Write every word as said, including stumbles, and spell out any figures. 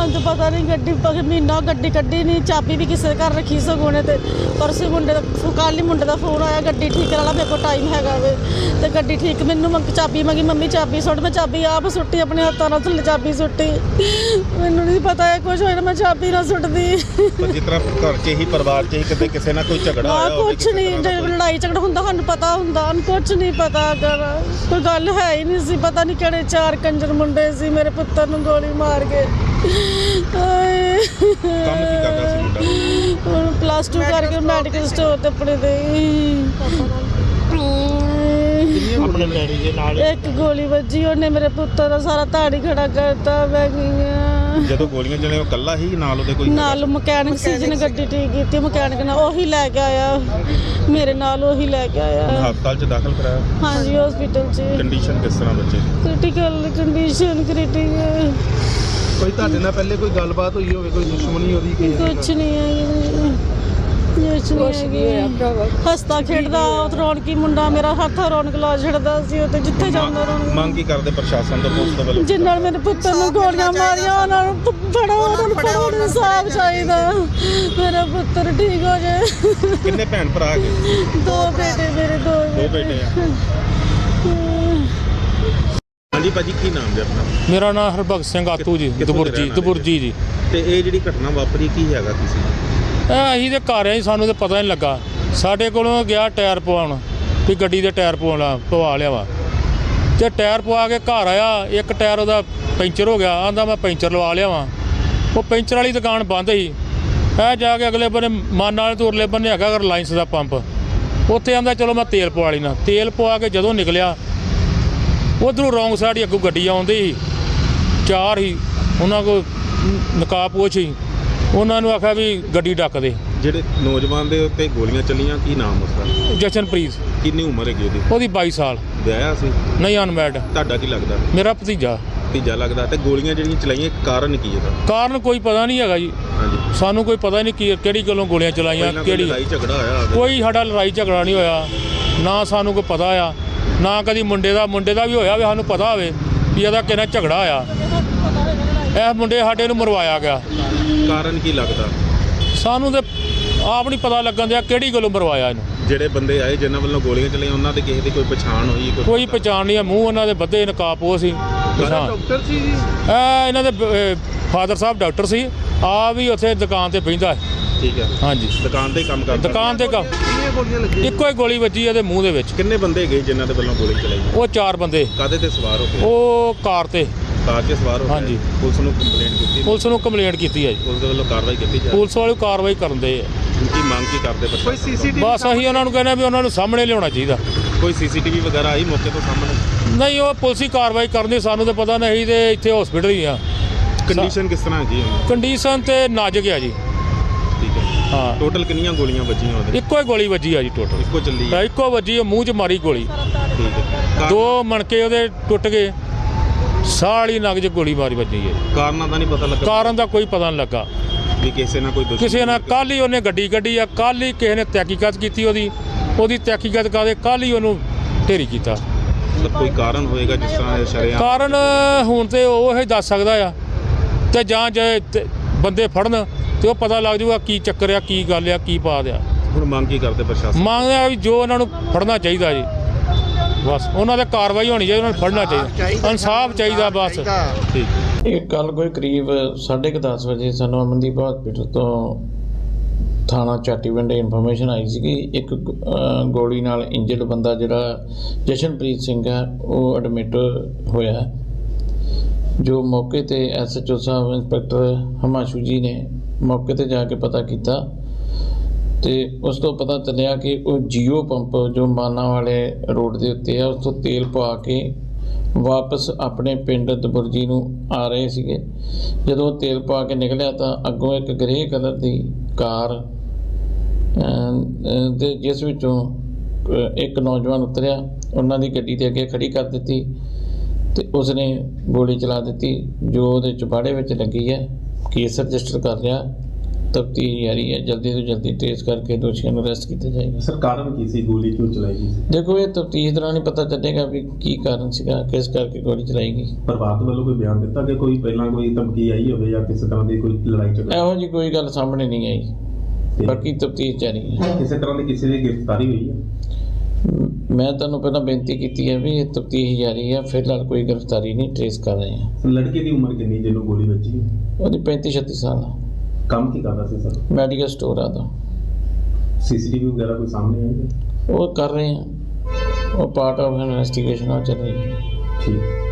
ਸਾਨੂੰ ਤਾਂ ਪਤਾ ਨਹੀਂ ਗੱਡੀ ਮਹੀਨਾ ਗੱਡੀ ਕੱਢੀ ਨਹੀਂ, ਚਾਬੀ ਵੀ ਕਿਸੇ ਦੇ ਘਰ ਰੱਖੀ ਸਗੋਂ ਨੇ। ਤੇ ਪਰਸੋਂ ਮੁੰਡੇ ਦਾ ਕੱਲ੍ਹ ਹੀ ਮੁੰਡੇ ਦਾ ਫੋਨ ਆਇਆ ਗੱਡੀ ਠੀਕ ਕਰਾ ਲਾ, ਮੇਰੇ ਕੋਲ ਟਾਈਮ ਹੈਗਾ ਵੇ। ਤੇ ਗੱਡੀ ਠੀਕ ਮੈਨੂੰ ਮੰਗ ਚਾਬੀ ਮੰਗੀ, ਮੰਮੀ ਚਾਬੀ ਸੁੱਟ, ਮੈਂ ਚਾਬੀ ਆਪ ਸੁੱਟੀ, ਆਪਣੇ ਹੱਥਾਂ ਨਾਲ ਥੱਲੇ ਚਾਬੀ ਸੁੱਟੀ। ਮੈਨੂੰ ਨਹੀਂ ਪਤਾ ਇਹ ਕੁਛ ਹੋਇਆ, ਮੈਂ ਚਾਬੀ ਨਾ ਸੁੱਟਦੀ। ਜਿਸ ਤਰ੍ਹਾਂ ਘਰ 'ਚ ਹੀ ਪਰਿਵਾਰ 'ਚ ਹੀ ਕਿਤੇ ਕਿਸੇ ਨਾਲ ਕੋਈ ਝਗੜਾ ਹਾਂ ਹੋਇਆ ਕੁਛ ਨਹੀਂ, ਜੇ ਲੜਾਈ ਝਗੜਾ ਹੁੰਦਾ ਸਾਨੂੰ ਪਤਾ ਹੁੰਦਾ, ਸਾਨੂੰ ਕੁਛ ਨਹੀਂ ਪਤਾ। ਅਗਰ ਕੋਈ ਗੱਲ ਹੈ ਹੀ ਨਹੀਂ ਸੀ, ਪਤਾ ਨਹੀਂ ਕਿਹੜੇ ਚਾਰ ਕੰਜਰ ਮੁੰਡੇ ਸੀ ਮੇਰੇ ਪੁੱਤਰ ਨੂੰ ਗੋਲੀ ਮਾਰ ਕੇ। ਕੰਮ ਕੀ ਕਰਦਾ ਸੀ ਮੁੰਡਾ? ਹੁਣ ਪਲੱਸ ਟੂ ਕਰਕੇ ਮੈਡੀਕਲ ਸਟੋਰ ਤੇ ਆਪਣੇ ਦੇ ਆਪਣੇ ਡੈਡੀ ਦੇ ਨਾਲ ਇੱਕ ਗੋਲੀ ਵੱਜੀ, ਉਹਨੇ ਮੇਰੇ ਪੁੱਤਰ ਦਾ ਸਾਰਾ ਧਾੜੀ ਖੜਾ ਕਰਤਾ। ਮੈਂ ਗਈ ਜਦੋਂ ਗੋਲੀਆਂ ਚਲੇ ਉਹ ਇਕੱਲਾ ਹੀ ਨਾਲ ਉਹਦੇ ਕੋਈ ਨਾਲ ਮਕੈਨਿਕ ਸੀ ਜਿਹਨੇ ਗੱਡੀ ਠੀਕ ਕੀਤੀ, ਮਕੈਨਿਕ ਨਾਲ ਉਹੀ ਲੈ ਕੇ ਆਇਆ, ਮੇਰੇ ਨਾਲ ਉਹੀ ਲੈ ਕੇ ਆਇਆ। ਹਸਪਤਾਲ 'ਚ ਦਾਖਲ ਕਰਾਇਆ? ਹਾਂਜੀ ਹਸਪੀਟਲ 'ਚ। ਕੰਡੀਸ਼ਨ ਕਿਸ ਤਰ੍ਹਾਂ ਬੱਚੇ ਦੀ? Critical condition critical. ਕੋਈ ਤੁਹਾਡੇ ਨਾਲ ਪਹਿਲੇ ਕੋਈ ਗੱਲਬਾਤ ਹੋਈ ਹੋਵੇ, ਕੋਈ ਦੁਸ਼ਮਣੀ ਉਹਦੀ? ਕੁਛ ਨਹੀਂ ਹੈ, ਕੁਛ ਨਹੀਂ ਹੈ। ਹੱਸਦਾ ਖੇਡਦਾ ਰੌਣਕੀ ਮੁੰਡਾ ਮੇਰਾ, ਹੱਥ ਰੌਣਕ ਲਾ ਛੱਡਦਾ ਸੀ ਉਹ ਤੇ ਜਿੱਥੇ ਜਾਂਦਾ ਰੌਣਕ। ਮੰਗ ਕੀ ਕਰਦੇ ਪ੍ਰਸ਼ਾਸਨ ਤੋਂ, ਪੁਲਿਸ ਤੋਂ ਵੱਲੋਂ? ਜਿਨ੍ਹਾਂ ਨੇ ਮੇਰੇ ਪੁੱਤਰ ਨੂੰ ਗੋਲੀਆਂ ਮਾਰੀਆਂ ਉਹਨਾਂ ਨੂੰ ਫੜੋ, ਉਹਨਾਂ ਨੂੰ ਫੜੋ, ਇਨਸਾਫ ਚਾਹੀਦਾ, ਮੇਰਾ ਪੁੱਤਰ ਠੀਕ ਹੋ ਜਾਏ। ਕਿੰਨੇ ਭੈਣ ਭਰਾ ਹੈਗੇ? ਦੋ ਬੇਟੇ ਮੇਰੇ, ਦੋ ਦੋ ਬੇਟੇ ਆ। ਹਾਂਜੀ ਭਾਜੀ, ਕੀ ਨਾਮ ਜੀ ਆਪਣਾ? ਮੇਰਾ ਨਾਮ ਹਰਭਗਤ ਸਿੰਘ ਆਤੂ ਜੀ, ਦਬੁਰਜੀ ਦਬੁਰਜੀ ਜੀ। ਤੇ ਇਹ ਜਿਹੜੀ ਘਟਨਾ ਵਾਪਰੀ ਕੀ ਹੈਗਾ ਕਿਸੇ ਇਹ ਅਸੀਂ ਤੇ ਘਰ ਆਏ, ਸਾਨੂੰ ਤਾਂ ਪਤਾ ਨਹੀਂ ਲੱਗਾ। ਸਾਡੇ ਕੋਲੋਂ ਗਿਆ ਟਾਇਰ ਪਵਾਉਣ ਵੀ ਗੱਡੀ ਦੇ ਟਾਇਰ ਪਵਾਉਣਾ ਪਵਾ ਲਿਆ ਵਾ, ਤੇ ਟਾਇਰ ਪਵਾ ਕੇ ਘਰ ਆਇਆ, ਇੱਕ ਟਾਇਰ ਉਹਦਾ ਪੈਂਚਰ ਹੋ ਗਿਆ, ਆਂਦਾ ਮੈਂ ਪੈਂਚਰ ਲਵਾ ਲਿਆ ਵਾਂ। ਉਹ ਪੈਂਚਰ ਵਾਲੀ ਦੁਕਾਨ ਬੰਦ ਸੀ। ਇਹ ਜਾ ਕੇ ਅਗਲੇ ਬੰਨੇ ਮਾਨ ਵਾਲੇ ਤੋਂ ਉਰਲੇ ਬੰਨੇ ਹੈਗਾ ਰਿਲਾਇੰਸ ਦਾ ਪੰਪ, ਉੱਥੇ ਆਂਦਾ ਚਲੋ ਮੈਂ ਤੇਲ ਪਵਾ ਲੈਣਾ। ਤੇਲ ਪਵਾ ਕੇ ਜਦੋਂ ਨਿਕਲਿਆ ਉੱਧਰੋਂ ਰੌਂਗ ਸਾਈਡ ਹੀ ਅੱਗੋਂ ਗੱਡੀ ਆਉਂਦੀ ਸੀ, ਚਾਰ ਹੀ ਉਹਨਾਂ ਕੋਲ ਨਕਾਬਪੋਸ਼ ਸੀ। ਉਹਨਾਂ ਨੂੰ ਆਖਿਆ ਵੀ ਗੱਡੀ ਡੱਕ ਦੇ। ਜਿਹੜੇ ਨੌਜਵਾਨ ਦੇ ਉੱਤੇ ਗੋਲੀਆਂ ਚੱਲੀਆਂ, ਕੀ ਨਾਮ ਉਸਦਾ? ਜਸ਼ਨਪ੍ਰੀਤ। ਕਿੰਨੀ ਉਮਰ ਹੈਗੀ ਉਹਦੀ? ਉਹਦੀ ਬਾਈ ਸਾਲ। ਵਿਆਹਿਆ ਸੀ? ਨਹੀਂ, ਅਨਮੈਰਿਡ। ਤੁਹਾਡਾ ਕੀ ਲੱਗਦਾ? ਮੇਰਾ ਭਤੀਜਾ। ਭਤੀਜਾ ਲੱਗਦਾ। ਤੇ ਗੋਲੀਆਂ ਜਿਹੜੀਆਂ ਚਲਾਈਆਂ ਕਾਰਨ ਕੀ ਇਹਦਾ? ਕਾਰਨ ਕੋਈ ਪਤਾ ਨਹੀਂ ਹੈਗਾ ਜੀ, ਹਾਂਜੀ, ਸਾਨੂੰ ਕੋਈ ਪਤਾ ਨਹੀਂ ਕੀ ਕਿਹੜੀ ਗੱਲੋਂ ਗੋਲੀਆਂ ਚਲਾਈਆਂ, ਕਿਹੜੀ ਲੜਾਈ ਝਗੜਾ ਹੋਇਆ ਹੋਵੇ? ਕੋਈ ਸਾਡਾ ਲੜਾਈ ਝਗੜਾ ਨਹੀਂ ਹੋਇਆ, ਨਾ ਸਾਨੂੰ ਕੋਈ ਪਤਾ ਆ, ਨਾ ਕਦੀ ਮੁੰਡੇ ਦਾ ਮੁੰਡੇ ਦਾ ਵੀ ਹੋਇਆ ਵੀ ਸਾਨੂੰ ਪਤਾ ਹੋਵੇ ਵੀ ਇਹਦਾ ਕਿਹਨਾਂ ਝਗੜਾ ਹੋਇਆ। ਇਹ ਮੁੰਡੇ ਸਾਡੇ ਨੂੰ ਮਰਵਾਇਆ ਗਿਆ। ਕਾਰਨ ਕੀ ਲੱਗਦਾ? ਸਾਨੂੰ ਤੇ ਆਪ ਨਹੀਂ ਪਤਾ ਲੱਗਣ ਦਿਆ ਕਿਹੜੀ ਗੱਲੋਂ ਮਰਵਾਇਆ ਇਹਨੂੰ। ਜਿਹੜੇ ਬੰਦੇ ਆਏ ਜਿਨ੍ਹਾਂ ਵੱਲੋਂ ਗੋਲੀਆਂ ਚਲਾਈਆਂ ਉਹਨਾਂ ਦੇ ਕਿਸੇ ਦੀ ਕੋਈ ਪਛਾਣ ਹੋਈ? ਕੋਈ ਪਛਾਣ ਨਹੀਂ ਆ, ਮੂੰਹ ਉਹਨਾਂ ਦੇ ਬੱਧੇ ਨਕਾਬਪੋਸ਼ ਸੀ। ਡਾਕਟਰ ਸੀ ਜੀ ਇਹ ਇਹਨਾਂ ਦੇ ਫਾਦਰ ਸਾਹਿਬ ਡਾਕਟਰ ਸੀ, ਆ ਵੀ ਉੱਥੇ ਦੁਕਾਨ ਤੇ ਬਹਿੰਦਾ ਹੈ। ਠੀਕ ਹੈ। ਹਾਂਜੀ, ਦੁਕਾਨ ਤੇ ਕੰਮ ਕਰਦਾ? ਦੁਕਾਨ ਤੇ ਕੰਮ। ਕਿੰਨੀਆਂ ਗੋਲੀਆਂ ਲੱਗੀਆਂ? ਇੱਕੋ ਹੀ ਗੋਲੀ ਵੱਜੀ ਇਹਦੇ ਮੂੰਹ ਦੇ ਵਿੱਚ। ਕਿੰਨੇ ਬੰਦੇ ਗਏ ਜਿਨ੍ਹਾਂ ਦੇ ਵੱਲੋਂ ਗੋਲੀ ਚਲਾਈ? ਉਹ ਚਾਰ ਬੰਦੇ। ਕਾਹਦੇ ਤੇ ਸਵਾਰ ਹੋ ਕੇ? ਉਹ ਕਾਰ ਤੇ। ਕਾਰ 'ਤੇ ਸਵਾਰ ਹੋ ਕੇ? ਹਾਂਜੀ। ਪੁਲਿਸ ਨੂੰ ਕੰਪਲੇਂਟ ਕੀਤੀ? ਪੁਲਿਸ ਨੂੰ ਕੰਪਲੇਂਟ ਕੀਤੀ ਹੈ ਜੀ, ਪੁਲਿਸ ਦੇ ਵੱਲੋਂ ਕਾਰਵਾਈ ਕੀਤੀ ਜਾ ਰਹੀ? ਪੁਲਿਸ ਵਾਲੇ ਕਾਰਵਾਈ ਕਰਦੇ ਆ। ਕੀ ਮੰਗ ਕੀ ਕਰਦੇ ਕੋਈ ਪ੍ਰਸ਼ਾਸਨ? ਸੀਸੀਟੀਵੀ? ਬਸ ਅਸੀਂ ਉਹਨਾਂ ਨੂੰ ਕਹਿੰਦੇ ਵੀ ਉਹਨਾਂ ਨੂੰ ਸਾਹਮਣੇ ਲਿਆਉਣਾ ਚਾਹੀਦਾ। ਕੋਈ ਸੀਸੀਟੀਵੀ ਵਗੈਰਾ ਆਈ ਮੌਕੇ ਤੋਂ ਸਾਹਮਣੇ? ਨਹੀਂ, ਉਹ ਪੁਲਿਸ ਹੀ ਕਾਰਵਾਈ ਕਰਨੀ, ਸਾਨੂੰ ਤਾਂ ਪਤਾ ਨਹੀਂ। ਤੇ ਇੱਥੇ ਹਸਪੀਟਲ ਹੀ ਆ। ਕੰਡੀਸ਼ਨ ਕਿਸ ਤਰ੍ਹਾਂ ਹੈਗੀ ਹੈ? ਕੰਡੀਸ਼ਨ ਤੇ ਨਾਜ਼ੁਕ ਆ ਜੀ। ਠੀਕ ਹੈ। ਹਾਂ, ਟੋਟਲ ਕਿੰਨੀਆਂ ਗੋਲੀਆਂ ਵੱਜੀਆਂ ਉਹਦੇ? ਇੱਕੋ ਹੀ ਗੋਲੀ ਵੱਜੀ ਆ ਜੀ ਟੋਟਲ। ਇੱਕੋ ਚੱਲੀ ਹੈ? ਇੱਕੋ ਵੱਜੀ, ਮੂੰਹ 'ਚ ਮਾਰੀ ਗੋਲੀ। ਠੀਕ ਹੈ। ਦੋ ਮਣਕੇ ਉਹਦੇ ਟੁੱਟ ਗਏ, ਸਾਹ ਵਾਲੀ ਨਗ 'ਚ ਗੋਲੀ ਮਾਰੀ ਵੱਜੀ ਹੈ। ਕਾਰਨਾਂ ਦਾ ਨਹੀਂ ਪਤਾ ਲੱਗਾ? ਕਾਰਨ ਦਾ ਕੋਈ ਪਤਾ ਨਹੀਂ ਲੱਗਾ ਵੀ ਕਿਸੇ ਨਾਲ ਕੋਈ ਦੁਸ਼ਮਣੀ? ਕਿਸੇ ਨਾਲ ਕੱਲ੍ਹ ਹੀ ਉਹਨੇ ਗੱਡੀ ਕੱਢੀ ਆ, ਕੱਲ੍ਹ ਹੀ ਕਿਸੇ ਨੇ ਤਹਿਕੀਕਤ ਕੀਤੀ ਉਹਦੀ ਉਹਦੀ ਤਹਿਕੀਕਤ ਕਰਦੇ ਕੱਲ੍ਹ ਹੀ ਉਹਨੂੰ ਢੇਰੀ ਕੀਤਾ। ਮਤਲਬ ਕੋਈ ਕਾਰਨ ਹੋਏਗਾ ਜਿਸ ਤਰ੍ਹਾਂ ਇਹ ਸ਼ਰੇਆਮ? ਕਾਰਨ ਹੁਣ ਤੇ ਉਹ ਹੀ ਦੱਸ ਸਕਦਾ ਆ, ਤੇ ਜਾਂ ਜੇ ਤੇ ਬੰਦੇ ਫੜਨ ਤੇ ਉਹ ਪਤਾ ਲੱਗ ਜਾਊਗਾ ਕੀ ਚੱਕਰ ਆ, ਕੀ ਗੱਲ ਆ, ਕੀ ਬਾਤ ਆ। ਹੁਣ ਮੰਗ ਕੀ ਕਰਦੇ ਪ੍ਰਸ਼ਾਸਨ? ਮੰਗਦੇ ਆ ਵੀ ਜੋ ਉਹਨਾਂ ਨੂੰ ਫੜਨਾ ਚਾਹੀਦਾ ਜੀ, ਬਸ ਉਹਨਾਂ 'ਤੇ ਕਾਰਵਾਈ ਹੋਣੀ ਚਾਹੀਦੀ, ਉਹਨਾਂ ਨੂੰ ਫੜਨਾ ਚਾਹੀਦਾ, ਇਨਸਾਫ ਚਾਹੀਦਾ ਬਸ। ਠੀਕ। ਇਹ ਕੱਲ੍ਹ ਕੋਈ ਕਰੀਬ ਸਾਢੇ ਕੁ ਦਸ ਵਜੇ ਸਾਨੂੰ ਅਮਨਦੀਪ ਹਸਪੀਟਲ ਤੋਂ ਥਾਣਾ ਚਾਟੀਵਿੰਡ ਇਨਫੋਰਮੇਸ਼ਨ ਆਈ ਸੀ ਕਿ ਇੱਕ ਗੋਲੀ ਨਾਲ ਇੰਜਰਡ ਬੰਦਾ ਜਿਹੜਾ ਜਸ਼ਨਪ੍ਰੀਤ ਸਿੰਘ ਹੈ ਉਹ ਐਡਮਿਟ ਹੋਇਆ। ਜੋ ਮੌਕੇ ਤੇ ਐਸ ਐਚ ਓ ਸਾਹਿਬ ਇੰਸਪੈਕਟਰ ਹਮਾਸ਼ੂ ਜੀ ਨੇ ਮੌਕੇ ਤੇ ਜਾ ਕੇ ਪਤਾ ਕੀਤਾ ਤੇ ਉਸ ਤੋਂ ਪਤਾ ਚੱਲਿਆ ਕਿ ਉਹ ਜੀਓ ਪੰਪ ਜੋ ਮਾਨਾ ਵਾਲੇ ਰੋਡ ਦੇ ਉੱਤੇ ਆ ਉਸ ਤੋਂ ਤੇਲ ਪਵਾ ਕੇ ਵਾਪਸ ਆਪਣੇ ਪਿੰਡ ਦਬੁਰਜੀ ਨੂੰ ਆ ਰਹੇ ਸੀਗੇ। ਜਦੋਂ ਤੇਲ ਪਾ ਕੇ ਨਿਕਲਿਆ ਤਾਂ ਅੱਗੋਂ ਇੱਕ ਗ੍ਰੇ ਕਲਰ ਦੀ ਕਾਰ ਤੇ ਜਿਸ ਵਿੱਚੋਂ ਇੱਕ ਨੌਜਵਾਨ ਉਤਰਿਆ, ਉਹਨਾਂ ਦੀ ਗੱਡੀ ਦੇ ਅੱਗੇ ਖੜੀ ਕਰ ਦਿੱਤੀ ਤੇ ਉਸਨੇ ਗੋਲੀ ਚਲਾ ਦਿੱਤੀ ਜੋ ਉਹਦੇ ਚੁਬਾੜੇ ਵਿੱਚ ਲੱਗੀ ਹੈ। ਕੇਸ ਰਜਿਸਟਰ ਕਰ ਲਿਆ ਤਫਤੀਸ਼ ਜਾਰੀ ਹੈ, ਜਲਦੀ ਤੋਂ ਜਲਦੀ ਟ੍ਰੇਸ ਕਰਕੇ ਦੋਸ਼ੀਆਂ ਨੂੰ ਅਰੈਸਟ ਕੀਤਾ ਜਾਏਗਾ। ਸਰ ਕਾਰਨ ਕੀ ਸੀ, ਗੋਲੀ ਕਿਉਂ ਚਲਾਈ ਗਈ ਸੀ? ਦੇਖੋ ਇਹ ਤਫਤੀਸ਼ ਦੌਰਾਨ ਹੀ ਪਤਾ ਚੱਲੇਗਾ ਵੀ ਕੀ ਕਾਰਨ ਸੀਗਾ, ਕਿਸ ਕਰਕੇ ਗੋਲੀ ਚਲਾਈ ਗਈ। ਪਰਿਵਾਰ ਵੱਲੋਂ ਕੋਈ ਬਿਆਨ ਦਿੱਤਾ ਕਿ ਕੋਈ ਪਹਿਲਾਂ ਕੋਈ ਧਮਕੀ ਆਈ ਹੋਵੇ ਜਾਂ ਕਿਸੇ ਤਰ੍ਹਾਂ ਦੀ ਕੋਈ ਲੜਾਈ ਝਗੜਾ? ਇਹੋ ਜੀ ਕੋਈ ਗੱਲ ਸਾਹਮਣੇ ਨਹੀਂ ਆਈ, ਬਾਕੀ ਤਫਤੀਸ਼ ਜਾਰੀ ਹੈ। ਕਿਸੇ ਤਰ੍ਹਾਂ ਦੀ ਕਿਸੇ ਦੀ ਗ੍ਰਿਫਤਾਰੀ ਹੋਈ ਹੈ? ਮੈਂ ਤੁਹਾਨੂੰ ਪਹਿਲਾਂ ਬੇਨਤੀ ਕੀਤੀ ਹੈ ਵੀ ਇਹ ਤਫਤੀਸ਼ ਜਾਰੀ ਹੈ, ਫਿਲਹਾਲ ਕੋਈ ਗ੍ਰਿਫਤਾਰੀ ਨਹੀਂ, ਟ੍ਰੇਸ ਕਰ ਰਹੇ ਹਾਂ। ਲੜਕੇ ਦੀ ਉਮਰ ਕਿੰਨੀ ਜਿਹਨੂੰ ਗੋਲੀ ਵੱਜੀ? ਉਹਦੀ ਪੈਂਤੀ ਛੱਤੀ ਸਾਲ ਆ। ਕੰਮ ਕੀ ਕਰਦਾ ਸੀ ਸਰ? ਮੈਡੀਕਲ ਸਟੋਰ ਆ ਦਾ। ਸੀਸੀਟੀਵੀ ਵਗੈਰਾ ਕੋਈ ਸਾਹਮਣੇ ਆਈ ਹੈ? ਉਹ ਕਰ ਰਹੇ ਹਾਂ, ਉਹ ਪਾਰਟ ਆਫ ਇਨਵੈਸਟੀਗੇਸ਼ਨ ਆ ਚੱਲ ਰਹੀ ਹੈ। ਠੀਕ।